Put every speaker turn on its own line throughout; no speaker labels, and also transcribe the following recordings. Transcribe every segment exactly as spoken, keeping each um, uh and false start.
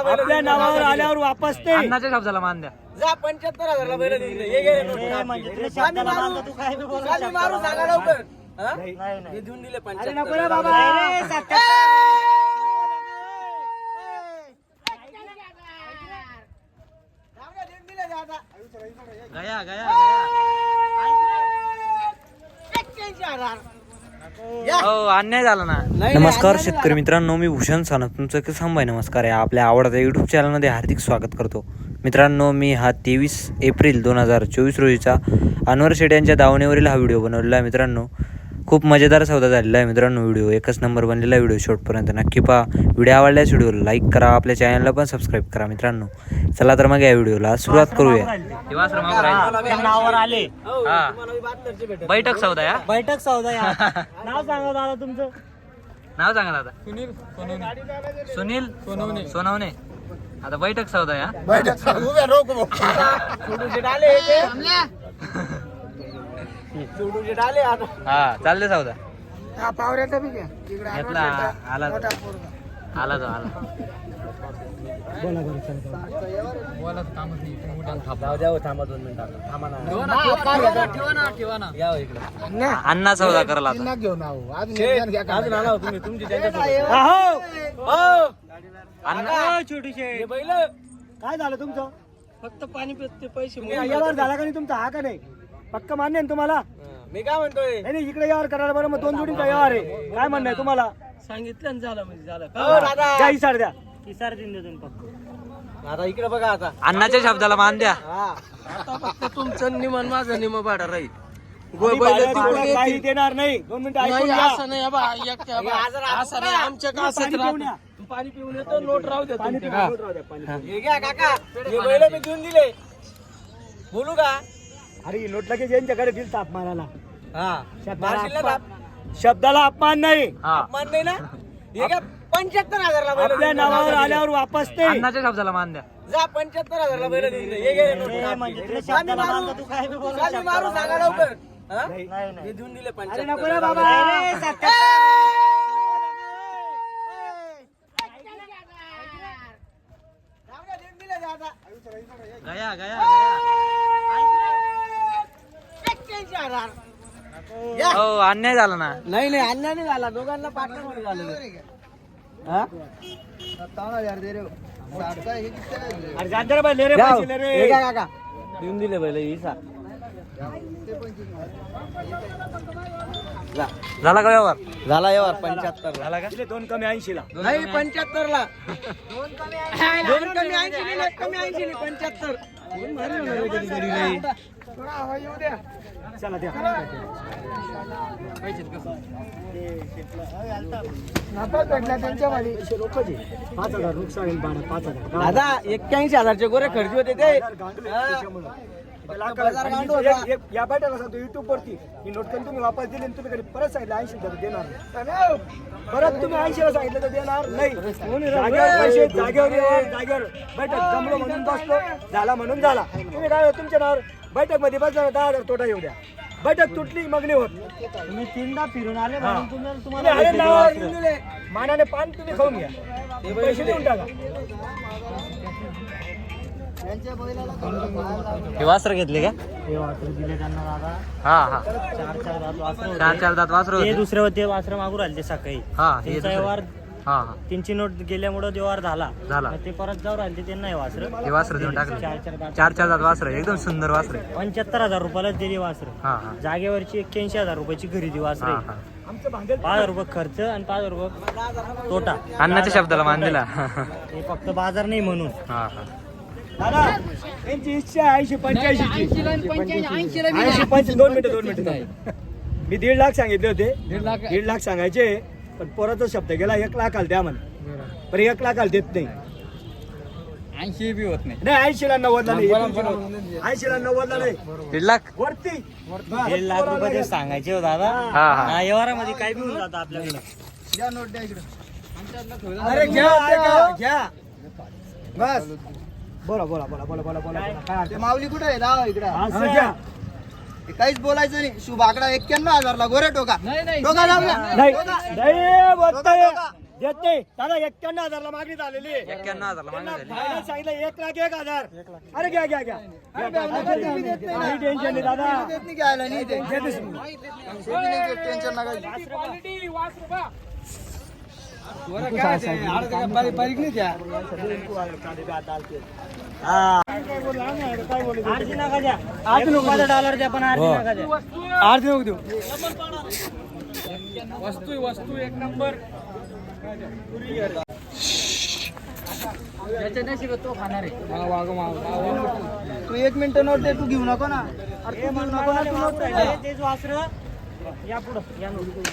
आपल्या नावावर आल्यावर वापस ते
अन्नाच्या शब्दाला मान द्या.
जा पंच्याहत्तर हजारला बैल देऊन दे. ये घे नोट.
म्हणजे तुला शब्दाला बांधतो, तू काय बी बोलू
चालू मारू सांगा लवकर. हा? हे देऊन दिले
अरे नको रे
पंच्याहत्तर.
बाबा. अरे सत्याहत्तर.
देऊन दिले जा आता.
गया गया
एक्क्याऐंशी हजार.
हो अन्याय झाला ना.
नाही,
नमस्कार
अन्याय
शेतकरी
झाला.
मित्रांनो, मी भूषण सानप तुमचं किसान भाई नमस्कार आहे. आपल्या आवडत्या यूट्यूब चॅनलमध्ये हार्दिक स्वागत करतो. मित्रांनो, मी हा तेवीस एप्रिल दोन हजार चोवीस रोजीचा अनवर शेट यांच्या दावणीवरील हा व्हिडिओ बनवलेला आहे. मित्रांनो, खूप मजेदार सौदा झालेला आहे. मित्रांनो, व्हिडिओ एकच नंबर बनलेला व्हिडिओ शेवटपर्यंत नक्की पहा. व्हिडिओ आवडल्यास व्हिडिओला लाईक करा, आपल्या चॅनलला पण सबस्क्राईब करा. मित्रांनो, चला तर मग या व्हिडिओला सुरुवात करूया.
नावावर आले.
हो,
हा.
तुम्हाला बी बहात्तरचे भेटेल.
बैठक सौदा या.
बैठक सौदा या. नाव सांगा दादा तुमचं.
नाव सांगा दादा. सुनील सोनवणे. आता बैठक सौदा या.
छोटूचे डाले ते. छोटूचे डाले आता.
हा चालले सौदा.
हा पावऱ्याचा बी घ्या. इकडे आणून
घेतला
देता.
आला तो.
मोठा पोरगा.
आला तो आला.
जाऊ द्या हो, थांबा दोन मिनिटं. थांबा ना. या हो इकडे.
अण्णा सौदा करायला आता.
शेठ, अजून आला हो तुम्ही तुमची त्यांच्यासोबत.
अहो.
हो.
अण्णा
छोटीशे
हे बैल
काय झालं तुमचं?
फक्त पाणी पिते पैसे
यावर झाला का नाही तुमचा? हा का नाही पक्का मान्य आहे ना तुम्हाला?
मी काय म्हणतोय
नाही नाही, इकडे यावर करायला बरं. मग दोन जोडींचा यावर आहे. काय म्हणणं आहे तुम्हाला?
सांगितलं झालं म्हणजे झालं हो दादा.
द्या इसार द्या. इसार देऊन देतो पक्का.
आता इकडे बघा आता.
अण्णाच्या शब्दाला मान द्या.
हा आता फक्त तुमचं निमन माझं निम भाडं राहील.
आम्ही भाड्यात भाडं काही देणार नाही. दोन मिनिटं ऐकून घ्या.
असं नाही बा, एकट्या बा. असं नाही आमच्या का
पाणी पिऊन या.
पाणी पिऊन येतो नोट राहू द्या
पाणी
तुमच्या.
पिऊन रोज राहू द्या, पाणी पिऊन.
हे घ्या काका हे बैल मी देऊन दिले. बोलू का?
अरे ही नोट लगेच यांच्याकडे दिल ताप मारायला.
हा
शब्दाला
मारशील ना
अपमान-
ताप?
शब्दाला अपमान नाही.
हा
अपमान नाही ना. हे घ्या पंच्याहत्तर हजारला बैल
आपल्या
देऊन
नावावर
दिले.
आल्यावर वापस ते
अण्णाच्या शब्दाला मान द्या.
जा पंच्याहत्तर हजारला बैल देऊन दे. हे घे नोट.
ए, म्हणजे तुला
आम्ही
शब्दाला
मारू.
बांधतो, तू काय बी बोलू
आम्ही मारू
शब्दाला
सांगा लवकर. हा?
नाही, नाही, नाही.
हे देऊन दिले
अरे नको रे
पंच्याहत्तर.
बाबा. अरे
देऊन दिले जा आता.
गया गया
एक्क्याऐंशी हजार.
हो अन्याय झाला ना.
नाही नाही अन्याय नाही झाला. दोघांना पार्टनर मध्ये झालेलं. हा?
अरे जाते रे बाई, ले रे
घ्या हो.
पैसे, ले रे.
हे घ्या काका देऊन दिले बैल इसा. जा.
झाला का व्यवहार?
झाला यावर पंच्याहत्तर
झाला का?
दिले दोन कमी ऐंशी ला.
नाही पंच्याहत्तर ला दोन कमी ऐंशी नाही कमी ऐंशी नाही पंच्याहत्तर.
चला द्या. पैसे रोकचे. पाच हजार नुकसान आहे, बारा पाच हजार.
दादा एक्क्याऐंशी हजारचे गोरे खर्च होते ते. बाजार गांडूळ होता.
एक- एक- या बैठका सांगतो युट्यूब वरती ही नोटकन तुम्ही वापस दिली आणि तुम्ही कधी परत सांगितलं ऐंशी तर देणार नाही. परत तुम्ही ऐंशी ला सांगितलं तर देणार नाही. जागेवर पैसे जागेवर येणार, जागेवर बैठक जमलो म्हणून बसलो, झाला म्हणून झाला. तुम्ही काय तुमच्या नावावर बैठक मध्ये बसला दहा हजार तोटा येऊ द्या. बैठक तुटली मग नाही होत. तुम्ही तीनदा फिरून आले म्हणून तुम्हाला तुम्हाला मानाने पान तुम्ही खाऊन घ्या. पैसे देऊन टाका.
हे वासर घेतले का?
हे वासर दिले त्यांना दादा.
हा हा
चार चार दात वासरं होते.
चार चार दात वासर
ते
होते.
दुसरे होते वासरं मागून राहिले ते सकाळी.
हा हे
त्यांचा
दुसरे.
व्यवहार
हा हा
त्यांची नोट गेल्यामुळे व्यवहार झाला.
झाला.
मग ते परत जाऊ राहिले त्यांना हे वासरं.
हे वासर देऊन
चार
टाकले.
चार दात.
चार चार दात वासर एकदम सुंदर वासर.
पंच्याहत्तर हजार रुपयालाच दिली वासर.
हा हा
जागेवरची एक्क्याऐंशी हजार रुपयाची खरेदी वासर
हा
आहे.
हा
पाच हजार रुपये खर्च आणि पाच हजार रुपये तोटा.
अण्णाच्या शब्दाला मान दिला.
हे फक्त बाजार नाही म्हणून.
हा हा
दादा त्यांची इच्छा आहे ऐंशी पंच्याऐंशी ऐंशी पंच दोन मिनिटं दोन मिनिटं मी दीड लाख सांगितले होते. दीड लाख सांगायचे पण पोराचा शब्द गेला एक लाखाला द्या म्हणा. पण एक लाखाला देत नाही.
ऐंशी बी होत नाही.
नाही ऐंशीला नव्वदला नाही. ऐंशीला नव्वदला नाही
दीड लाख.
वरती दीड लाख रुपये ते सांगायचे हो दादा.
हा हा
हा व्यवहारामध्ये काय बी होऊन जातं आपल्याकडे.
द्या नोट द्या इकडे.
अरे घ्या घ्या बस. बोला बोला बोला बोला बोला बोला काय
ते माऊली कुठे आहे दावा इकडे.
असं घ्या.
ते काहीच बोलायचं नाही. शुभ आकडा एक्क्याण्णव हजारला गोरे टोका.
नाही
टोका लावला.
नाही नाही बोलतोय. देत नाही दादा एक्क्याण्णव हजारला मागणी झालेली आहे.
एक्क्याण्णव हजारला
त्यांना
मागणी झाली.
फायनल सांगितलं एक लाख एक हजार अरे घ्या घ्या घ्या काही टेन्शन नाही दादा देतेच मी. हा. आरती नका द्या. आरती नको पाच डॉलर द्या पण आरती नका द्या. आरती नको देऊ.
तू एक मिनिट नोट दे तू घेऊ नको ना अरे तू घेऊ नको ना तू नोट पाहिजे.
तेच वासरं. या पुढं या नोट.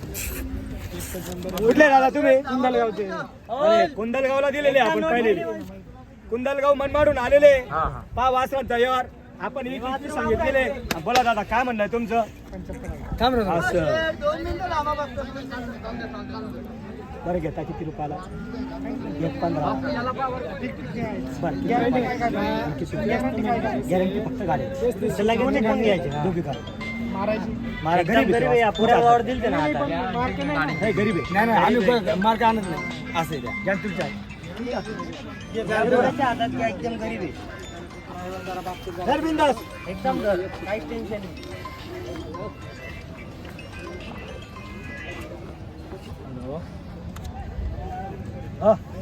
कुठले दादा तुम्ही कुंदलगावचे अरे, कुंदलगावला दिलेले आपण पहिले कुंदलगाव मनमाडून आलेले पा वासरांचा व्यवहार आपण एक किती सांगितलेले बोला दादा काय म्हणणं तुमचं असं
दोन मिनिटं लांबा बघतो.
बरं घेता किती रुपयाला एक पंधरा बरं गॅरंटी फक्त गाडी त्याला घेऊन एक पण घ्यायचे दोघी का मारा गरीब आहे पुऱ्या वावर दिलते ना आता नाही गरीब आहे नाही नाही आम्ही मार्क आणत नाही असं द्या घ्या तुमच्या हातात घ्या एकदम गरीब आहे धर बिंदास एकदम धर काहीच टेन्शन नाही हा